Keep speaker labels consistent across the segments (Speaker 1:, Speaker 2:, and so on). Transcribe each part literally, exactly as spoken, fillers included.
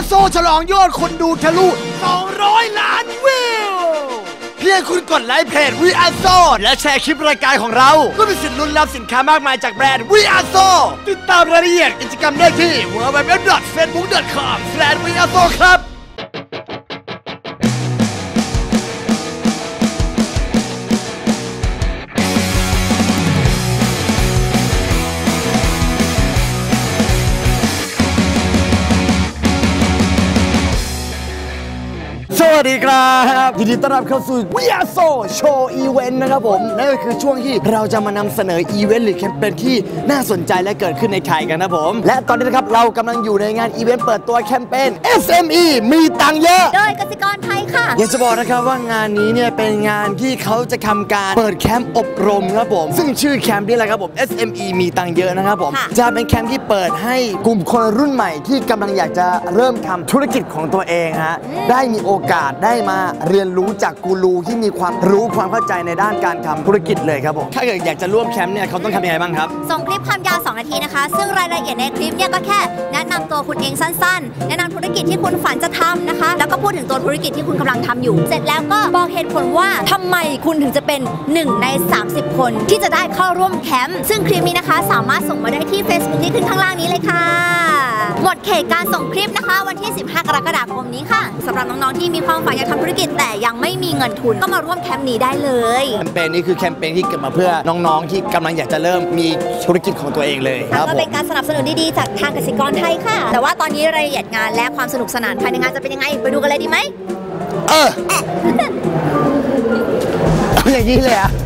Speaker 1: โซฉลองยอดคนดูทะลุสองร้อยล้านวิวเพียงคุณกดไลค์เพจ We Are So และแชร์คลิปรายการของเราก็มีสิทธิ์ลุ้นรับสินค้ามากมายจากแบรนด์ We Are So ติดตามรายละเอียดกิจกรรมได้ที่ ดับเบิลยู ดับเบิลยู ดับเบิลยู ดอท เฟซบุ๊ก ดอท คอม สแลช วี อาร์ โซ ครับสวัสดีครับยินดีต้อนรับเข้าสู่ We Are So Show Event นะครับผมนั่นก็คือช่วงที่เราจะมานำเสนออีเวนต์หรือแคมเปญที่น่าสนใจและเกิดขึ้นในไทยกันนะผมและตอนนี้นะครับเรากำลังอยู่ในงานอีเวนต์เปิดตัวแคมเปญ เอส เอ็ม อี มีตังค์เยอะ
Speaker 2: โดยกสิกรไทยค่ะ
Speaker 1: อยากจะบอกนะครับว่างานนี้เนี่ยเป็นงานที่เขาจะทำการเปิดแคมป์อบรมครับผมซึ่งชื่อแคมป์นี่แหละครับผม เอส เอ็ม อี มีตังค์เยอะนะครับผมจะเป็นแคมป์ที่เปิดให้กลุ่มคนรุ่นใหม่ที่กำลังอยากจะเริ่มทำธุรกิจของตัวเองฮะได้มีโอกาสได้มาเรียนรู้จากกูรูที่มีความรู้ความเข้าใจในด้านการทำธุรกิจเลยครับผมถ้าเกิดอยากจะร่วมแคมป์เนี่ยเขาต้องทำยังไงบ้างครับ
Speaker 2: ส่งคลิปความยาวสองนาทีนะคะซึ่งรายละเอียดในคลิปเนี่ยก็แค่แนะนำตัวคุณเองสั้นๆแนะนำธุรกิจที่คุณฝันจะทำนะคะแล้วก็พูดถึงตัวธุรกิจที่คุณกำลังทำอยู่เสร็จแล้วก็บอกเหตุผลว่าทำไมคุณถึงจะเป็นหนึ่งในสามสิบคนที่จะได้เข้าร่วมแคมป์ซึ่งคลิปนี้นะคะสามารถส่งมาได้ที่ Facebook ที่ขึ้นข้างล่างนี้เลยค่ะหมดเขตการส่งคลิปนะคะวันที่สิบห้ากรกฎาคมนี้ค่ะสำหรับน้องๆที่มีความฝันอยากทำธุรกิจแต่ยังไม่มีเงินทุนก็มาร่วมแคมป์นี้ได้เลย
Speaker 1: แคมเปญนี้คือแคมเปญที่เกิดมาเพื่อน้องๆที่กำลังอยากจะเริ่มมีธุรกิจของตัวเองเลยครับ
Speaker 2: ก็เป็นการสนับสนุนดีๆจากทางกสิกรไทยค่ะแต่ว่าตอนนี้รายละเอียดงานและความสนุกสนานภายในงานจะเป็นยังไงไปดูกันเลยดีไหม
Speaker 1: เออเอาอย่างนี้เลยอะ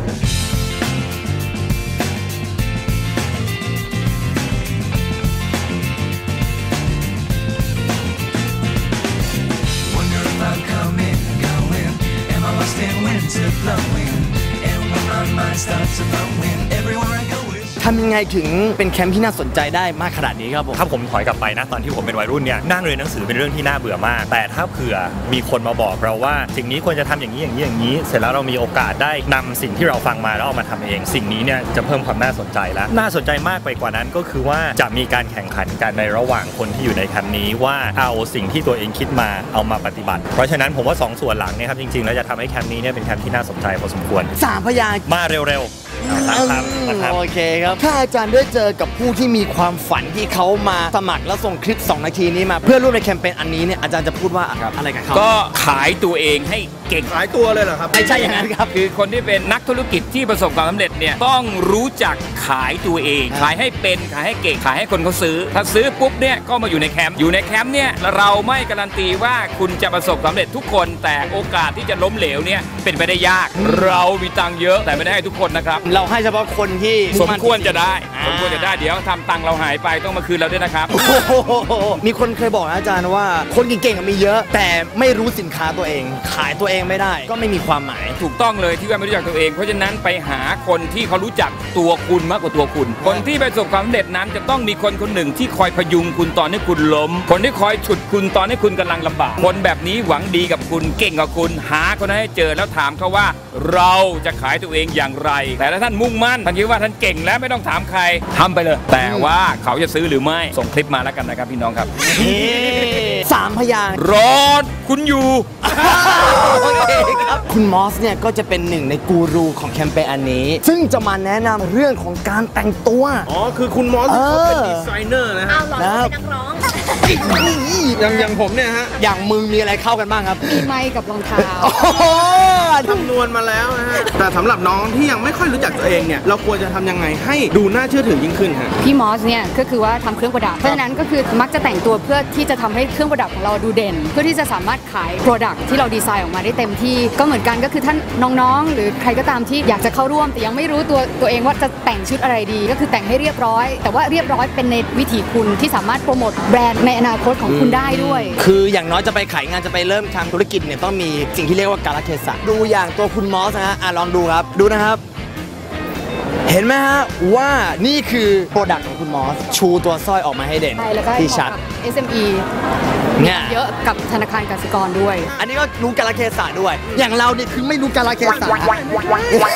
Speaker 1: ทำยังไงถึงเป็นแคมป์ที่น่าสนใจได้มากขนาดนี้ครับผม
Speaker 3: ถ้าผมถอยกลับไปนะตอนที่ผมเป็นวัยรุ่นเนี่ยนั่งเรียนหนังสือเป็นเรื่องที่น่าเบื่อมากแต่ถ้าเผื่อมีคนมาบอกเราว่าสิ่งนี้ควรจะทำอย่างนี้อย่างนี้อย่างนี้เสร็จแล้วเรามีโอกาสได้นำสิ่งที่เราฟังมาแล้วเอามาทำเองสิ่งนี้เนี่ยจะเพิ่มความน่าสนใจแล้วน่าสนใจมากไปกว่านั้นก็คือว่าจะมีการแข่งขันกันในระหว่างคนที่อยู่ในแคมป์นี้ว่าเอาสิ่งที่ตัวเองคิดมาเอามาปฏิบัติเพราะฉะนั้นผมว่าสองส่วนหลังเนี่ยครับจริงๆแล้วจะทำให้แคมป์นี้เนี่ยเป็นแคมป์ที่น่าสนใจพอสมควร
Speaker 1: สามพยางค์
Speaker 3: มาเร็วๆ
Speaker 1: โอเคครับถ้าอาจารย์ได้เจอกับผู้ที่มีความฝันที่เขามาสมัครแล้วส่งคลิปสองนาทีนี้มาเพื่อร่วมในแคมเปญอันนี้เนี่ยอาจารย์จะพูดว่าอะไรกับเขา
Speaker 4: ก็ขายตัวเองให้เก่ง
Speaker 1: ขายตัวเลยเหรอครับไม่ใช่อย่างนั้นครับ
Speaker 4: คือคนที่เป็นนักธุรกิจที่ประสบความสำเร็จเนี่ยต้องรู้จักขายตัวเองขายให้เป็นขายให้เก่งขายให้คนเขาซื้อถ้าซื้อปุ๊บเนี่ยก็มาอยู่ในแคมป์อยู่ในแคมป์เนี่ยเราไม่การันตีว่าคุณจะประสบความสำเร็จทุกคนแต่โอกาสที่จะล้มเหลวเนี่ยเป็นไปได้ยากเรามีตังค์เยอะแต่ไม่ได้ให้ทุกคนนะครับ
Speaker 1: เราให้เฉพาะคนที่
Speaker 4: สมควรจะได้สมควรจะได้เดี๋ยวทำตังค์เราหายไปต้องมาคืนเราด้วยนะครับ
Speaker 1: มีคนเคยบอกอาจารย์ว่าคนเก่งๆมีเยอะแต่ไม่รู้สินค้าตัวเองขายตัวเองไม่ได้ก็ไม่มีความหมาย
Speaker 4: ถูกต้องเลยที่ว่าไม่รู้จักตัวเองเพราะฉะนั้นไปหาคนที่เขารู้จักตัวคุณมากกว่าตัวคุณคนที่ประสบความสำเร็จนั้นจะต้องมีคนคนหนึ่งที่คอยพยุงคุณตอนที่คุณล้มคนที่คอยฉุดคุณตอนที่คุณกำลังลำบากคนแบบนี้หวังดีกับคุณเก่งกับคุณหาคนนั้นให้เจอแล้วถามเขาว่าเราจะขายตัวเองอย่างไรแต่ถ้าท่านมุ่งมั่นท่านคิดว่าท่านเก่งแล้วไม่ต้องถามใครทำไปเลยแต่ว่าเขาจะซื้อหรือไม่ส่งคลิปมาแล้วกันนะครับพี่น้องครับ
Speaker 1: สามพยางค์
Speaker 4: รอคุณอยู่
Speaker 1: โอเคครับคุณมอสเนี่ยก็จะเป็นหนึ่งในกูรูของแคมเปญอันนี้ซึ่งจะมาแนะนำเรื่องของการแต่งตัว
Speaker 5: อ๋อคือคุณมอสเขาเป็นดีไซเนอร์นะฮะ
Speaker 2: เอาหรอเป็นนักร้อง
Speaker 5: อย่างอย่างผมเนี่ยฮะ
Speaker 1: อย่างมึงมีอะไรเข้ากันบ้างครับ
Speaker 2: มีไม้กับรองเท้า
Speaker 5: คำนวณมาแล้วนะฮะแต่สำหรับน้องที่ยังไม่ค่อยรู้จักตัวเองเนี่ยเราควรจะทำยังไงให้ดูน่าเชื่อถือยิ่งขึ้นฮะ
Speaker 6: พี่มอสเนี่ยก็คือว่าทำเครื่องประดับเพราะฉะนั้นก็คือมักจะแต่งตัวเพื่อที่จะทำให้เครื่องประดับของเราดูเด่นเพื่อที่จะสามารถขายโปรดักต์ที่เราดีไซน์ออกมาได้เต็มที่ก็เหมือนกันก็คือท่านน้องๆหรือใครก็ตามที่อยากจะเข้าร่วมแต่ยังไม่รู้ตัวตัวเองว่าจะแต่งชุดอะไรดีก็คือแต่งให้เรียบร้อยแต่ว่าเรียบร้อยเป็นในวิถีคุณที่สามารถโปรโมทแบรนด์ในอนาคตของคุณได้ด้วย
Speaker 1: คืออย่างน้อยจะไปขายงานจะไปเริ่มทำธุรกิจเนี่ยต้องมีสิ่งที่เรียกว่ากาลเทศะดูอย่างตัวคุณมอสนะฮะอ่ะลองดูครับดูนะครับเห็นไหมฮะว่านี่คือโปรดักต์ของคุณมอสชูตัวสร้อยออกมาให้เด่นที่ชัด
Speaker 6: เอส เอ็ม อี เนี่ยเยอะกับธนาคารกสิกรด้วย
Speaker 1: อันนี้ก็รู้กาลเทศะด้วยอย่างเราเนี่ยคือไม่รู้กาลเทศะ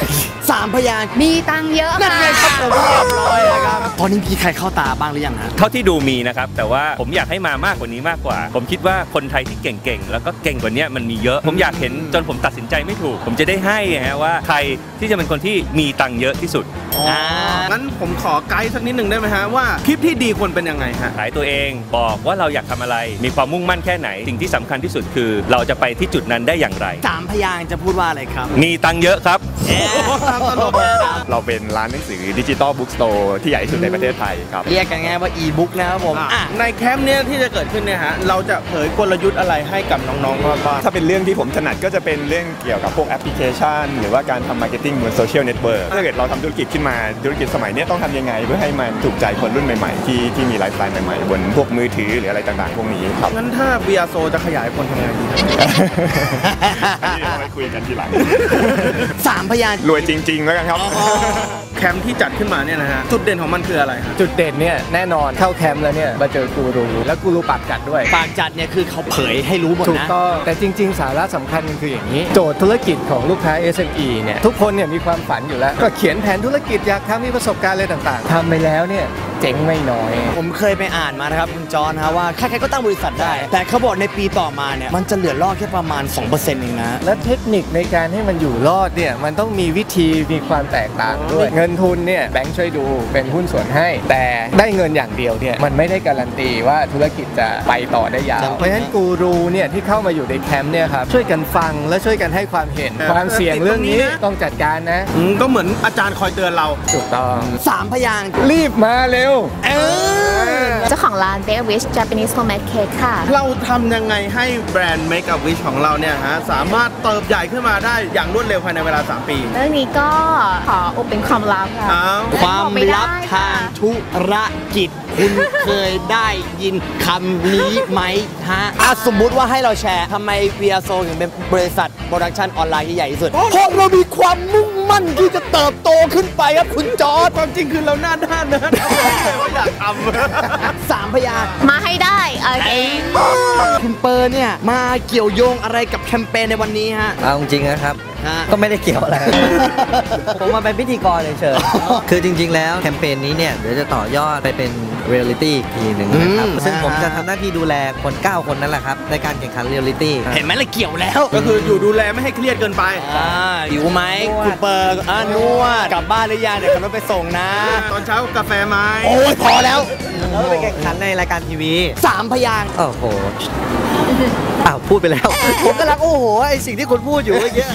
Speaker 1: สามพยางค์
Speaker 6: มีตังค์เยอะ
Speaker 1: นั่นไงครับผมเรียบร้อยแล้วครับตอนนี้มีใครเข้าตาบ้างหรือยังฮะ
Speaker 3: เท่าที่ดูมีนะครับแต่ว่าผมอยากให้มามากกว่านี้มากกว่าผมคิดว่าคนไทยที่เก่งๆแล้วก็เก่งกว่านี้มันมีเยอะผมอยากเห็นจนผมตัดสินใจไม่ถูกผมจะได้ให้ฮะว่าใครที่จะเป็นคนที่มีตังค์เยอะที่สุด
Speaker 5: งั้นผมขอไกด์สักนิดหนึ่งได้ไหมฮะว่าคลิปที่ดีควรเป็นยังไงฮะ
Speaker 3: ขายตัวเองบอกว่าเราอยากทำอะไรมีความมุ่งมั่นแค่ไหนสิ่งที่สำคัญที่สุดคือเราจะไปที่จุดนั้นได้อย่างไร
Speaker 1: สามพยางค์จะพูดว่าอะไรครับ
Speaker 3: มีตังค์เยอะครับ
Speaker 7: เราเป็นร้านหนังสือดิจิตอลบุ๊กสโตร์ที่ใหญ่ที่สุดในประเทศไทยครับ
Speaker 1: เรียกกันง่ายว่าอีบุ๊กนะครับผม
Speaker 5: ในแคมป์เนี้ยที่จะเกิดขึ้นเนี่ยฮะเราจะเผยกลยุทธ์อะไรให้กับน้องๆบ้าง
Speaker 7: ถ้าเป็นเรื่องที่ผมถนัดก็จะเป็นเรื่องเกี่ยวกับพวกแอปพลิเคชันหรือว่าการทำมาร์เก็ตติ้งบนโซเชียลเน็ตเวิร์กถ้าเกิดเราทำธุรกิจขึ้นมาธุรกิจสมัยนี้ต้องทำยังไงเพื่อให้มันถูกใจคนรุ่นใหม่ๆที่ที่มีไลฟ์สไตล์ใหม่ๆบนพวกมือถือหรืออะไรต่างๆพวกนี้ครับ
Speaker 5: งั้นถ้าเบียโซจะขยายคนทำยังไงดี
Speaker 7: อันนี้เราไปคุยกันทีหลัง
Speaker 1: สามพยางค์
Speaker 7: รวยจริงๆแล้วกันครับ
Speaker 5: แคมป์ที่จัดขึ้นมาเนี่ยนะฮะจุดเด่นของมันคืออะไรครับ
Speaker 8: จุดเด่นเนี่ยแน่นอนเข้าแคมป์แล้วเนี่ยมาเจอกูรูแล้วกูรูปากจัดด้วย
Speaker 1: ปากจัดเนี่ยคือเขาเผยให้รู้หมดนะ
Speaker 8: ถูกต้องแต่จริงๆสาระสำคัญคืออย่างนี้โจทย์ธุรกิจของลูกค้า เอส เอ็ม อี เนี่ยทุกคนเนี่ยมีความฝันอยู่แล้วก็เขียนแผนธุรกิจอยากทำมีประสบการณ์อะไรต่างๆทำไปแล้วเนี่ยเจ๋งไม่น้อย
Speaker 1: ผมเคยไปอ่านมานะครับคุณจอนนะว่าใครๆก็ตั้งบริษัทได้แต่เขาบอกในปีต่อมาเนี่ยมันจะเหลือรอดแค่ประมาณ สองเปอร์เซ็นต์ เองนะ
Speaker 8: และเทคนิคในการให้มันอยู่รอดเนี่ยมันต้องมีวิธีมีความแตกต่างด้วยเงินทุนเนี่ยแบงค์ช่วยดูเป็นหุ้นส่วนให้แต่ได้เงินอย่างเดียวเนี่ยมันไม่ได้การันตีว่าธุรกิจจะไปต่อได้ยาวเพราะฉะนั้นกูรูเนี่ยที่เข้ามาอยู่ในแคมป์เนี่ยครับช่วยกันฟังและช่วยกันให้ความเห็นความเสี่ยงเรื่องนี้ต้องจัดการนะ
Speaker 5: ก็เหมือนอาจารย์คอยเตือนเรา
Speaker 8: ถูกต้อง
Speaker 1: สามพยางค์
Speaker 8: รีบมาเร็ว
Speaker 2: เจ้าของร้าน Make a Wish Japanese Homemade Cake ค่ะ
Speaker 5: เราทำยังไงให้แบรนด์ Make a Wish ของเราเนี่ยฮะสามารถเติบใหญ่ขึ้นมาได้อย่างรวดเร็วภายในเวลาสามปี
Speaker 2: เรื่องนี้ก็ขออุบเป็นความลับค่ะ
Speaker 1: ความลับทางธุรกิจคุณเคยได้ยินคำนี้ไหมฮะสมมุติว่าให้เราแชร์ทำไม วี อาร์ โซ ถึงเป็นบริษัทโปรดักชันออนไลน์ที่ใหญ่ที่สุดเพราะเรามีความมุ่งมั่นที่จะเติบโตขึ้นไปครับคุณจอร์จ
Speaker 5: ความจริงคือเราหน้าด้านนะไม่อยากทำ
Speaker 1: สามพยางค์
Speaker 2: มาให้ได้โอเค
Speaker 1: คุณเปอร์เนี่ยมาเกี่ยวโยงอะไรกับแคมเปญในวันนี้ฮะ
Speaker 9: เอาจริงนะครับก็ไม่ได้เกี่ยวอะไรผมมาเป็นพิธีกรเฉยๆคือจริงๆแล้วแคมเปญนี้เนี่ยเดี๋ยวจะต่อยอดไปเป็นเรียลลิตี้อีกทีหนึ่งนะครับซึ่งผมจะทำหน้าที่ดูแลคนเก้าคนนั่นแหละครับในการแข่งขันเรียลลิตี้
Speaker 1: เห็นไหมล่ะเกี่ยวแล้ว
Speaker 5: ก็คืออยู่ดูแลไม่ให้เครียดเกินไป
Speaker 1: หิวไหมคุณเปอร์นวดกลับบ้านหรือยังเดี๋ยวขับรถไปส่งนะ
Speaker 5: ตอนเช้ากาแฟไหม
Speaker 1: โอ้ยพอแล้ว
Speaker 9: แล้วไปแข่งขันในรายการทีวี
Speaker 1: สามพยางค์
Speaker 9: โอ้โหอ้าวพูดไปแล้วผมกำลังโอ้โหไอสิ่งที่คุณพูดอยู่เมื่อกี้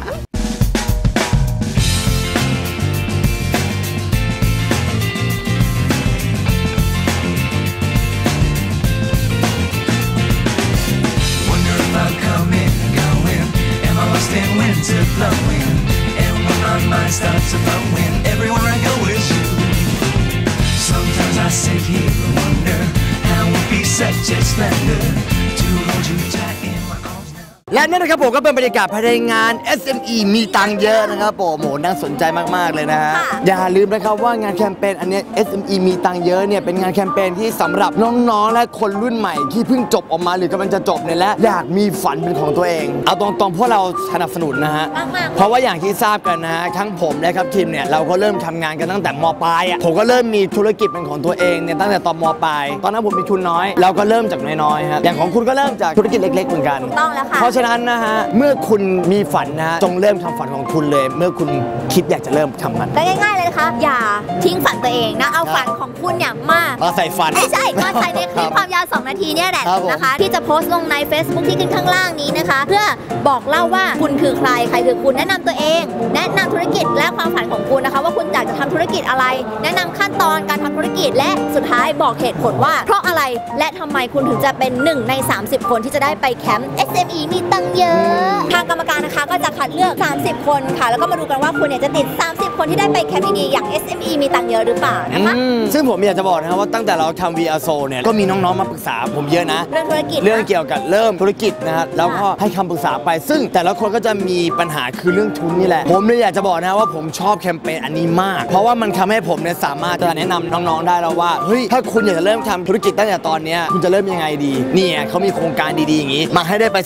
Speaker 10: winter blowing and when my mind starts to flowing everywhere I go is you sometimes I sit here and wonder how it would be such a splendor to hold you tight in my arms now
Speaker 1: และนี่นะครับผมก็เป็นบรรยากาศภายในงาน เอส เอ็ม อี มีตังเยอะนะครับผมโหน่าสนใจมากๆเลยนะฮะอย่าลืมนะครับว่างานแคมเปญอันนี้ เอส เอ็ม อี มีตังเยอะเนี่ยเป็นงานแคมเปญที่สำหรับน้องๆและคนรุ่นใหม่ที่เพิ่งจบออกมาหรือกำลังจะจบเนี่ยและอยากมีฝันเป็นของตัวเองเอาตรงๆพวกเราสนับสนุนนะฮะเพราะว่าอย่างที่ทราบกันนะฮะทั้งผมและครับทีมเนี่ยเราก็เริ่มทำงานกันตั้งแต่ม.ปลายอ่ะผมก็เริ่มมีธุรกิจเป็นของตัวเองเนี่ยตั้งแต่ตอนม.ปลายตอนนั้นผมมีทุนน้อยเราก็เริ่มจากน้อยๆฮะอย่างของคุณก็เริ่มจากธุรกิจเล็กๆเหมือนกัน
Speaker 2: ต้องแล้วค่ะ
Speaker 1: เพราะฉะนั้นนะฮะเมื่อคุณมีฝันนะจงเริ่มทำฝันของคุณเลยเมื่อคุณคิดอยากจะเริ่มทำมัน
Speaker 2: ง่ายๆเลยนะคะอย่าทิ้งฝันตัวเองนะเอาฝันของคุณเนี่ยมา
Speaker 1: เอาใส่ฝัน
Speaker 2: ไม่ใช่ก็ใส่ในคลิปความยาวสองนาทีเนี่ยแหละนะคะที่จะโพสต์ลงใน Facebook ที่ขึ้นข้างล่างนี้นะคะเพื่อบอกเล่าว่าคุณคือใครใครคือคุณแนะนำตัวเองแนะนำธุรกิจและความฝันของคุณนะคะว่าคุณอยากจะทำธุรกิจอะไรแนะนำขั้นตอนการทำธุรกิจและสุดท้ายบอกเหตุผลว่าเพราะอะไรและทำไมคุณถึงจะเป็นหนึ่งในสามสิบคนที่จะได้ไปแคมป์ เอส เอ็ม อี มีตังเยอะทางกรรมการนะคะก็จะคัดเลือกสามสิบคนค่ะแล้วก็มาดูกันว่าคุณเนี่ยจะติดสามสิบคนที่ได้ไปแคมป์ดีๆอย่าง เอส เอ็ม อี มีตังเยอะหรือเปล่านะคะ
Speaker 1: ซึ่งผมอยากจะบอกนะครับว่าตั้งแต่เราทำ วี อาร์ โซ เนี่ยก็มีน้องๆมาปรึกษาผมเยอะนะ
Speaker 2: เรื่องธุรกิจ
Speaker 1: เรื่องเกี่ยวกับเริ่มธุรกิจนะฮะแล้วก็ให้คำปรึกษาไปซึ่งแต่ละคนก็จะมีปัญหาคือเรื่องทุนนี่แหละผมเลยอยากจะบอกนะว่าผมชอบแคมเปญอันนี้มากเพราะว่ามันทำให้ผมเนี่ยสามารถจะแนะนำน้องๆได้แล้วว่าเฮ้ยถ้าคุณอยากจะเริ่มทำธุรกิจตั้งแต่ตอนนี้คุณจะเริ่มยังไงดีเนี่ยเขามีโครงการดีๆอย่างนี้มาให้ได้ไปศึกษา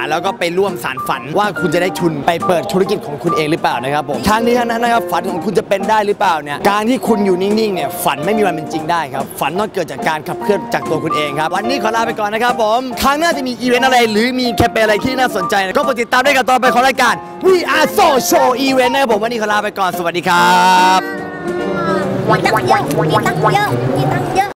Speaker 1: แล้วก็ไปร่วมสานฝันว่าคุณจะได้ทุนไปเปิดธุรกิจของคุณเองหรือเปล่านะครับผมทางนี้ทั้งนั้นนะครับฝันของคุณจะเป็นได้หรือเปล่าเนี่ยการที่คุณอยู่นิ่งๆเนี่ยฝันไม่มีวันเป็นจริงได้ครับฝันต้องเกิดจากการขับเคลื่อนจากตัวคุณเองครับวันนี้ขอลาไปก่อนนะครับผมครั้งหน้าจะมีอีเวนต์อะไรหรือมีแคมเปญอะไรที่น่าสนใจก็โปรดติดตามได้กับตอนไปของรายการ We Are So Show Event นะครับผมวันนี้ขอลาไปก่อนสวัสดีครับ
Speaker 2: มีตังค์เยอะมีตังค์เยอะมีตังค์เยอะ